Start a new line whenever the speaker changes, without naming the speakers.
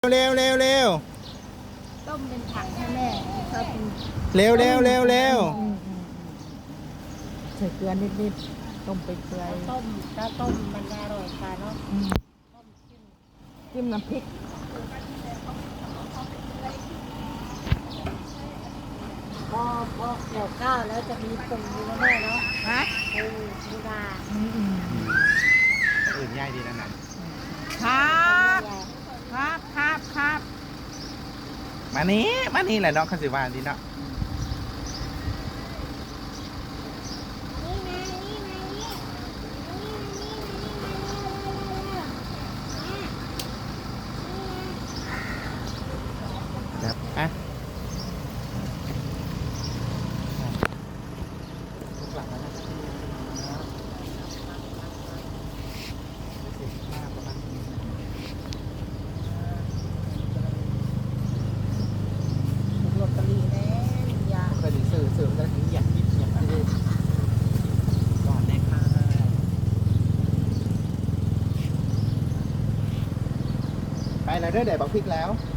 เร็วเร็วเร็ว
ต้มเป็นถังให้แม่ชอบกิน
เร็วเร็วเร็วเร็ว
ใส่เกลือนิดๆต้มไปเปื่อย
ต้มถ้าต้มมันอร่อยกว่าเนาะต้ม
จิ้มน้ำพริก
พอเกี่ยวข้าวแล้วจะมีปูนะแม่เนาะ
ฮะ
ปูนา
อื่นง่ายดีนะนั่น
ครับ
มานี้แหละเนาะข้าสิวานดีเนาะครับอ่ะ
ลอตเตอรี่แน่ยา
เคยได้สื่อกันถึงอยากกินอยากกินก่อนเลยค่ะไปแล้วเด้อเดี๋ยวบอกพริกแล้ว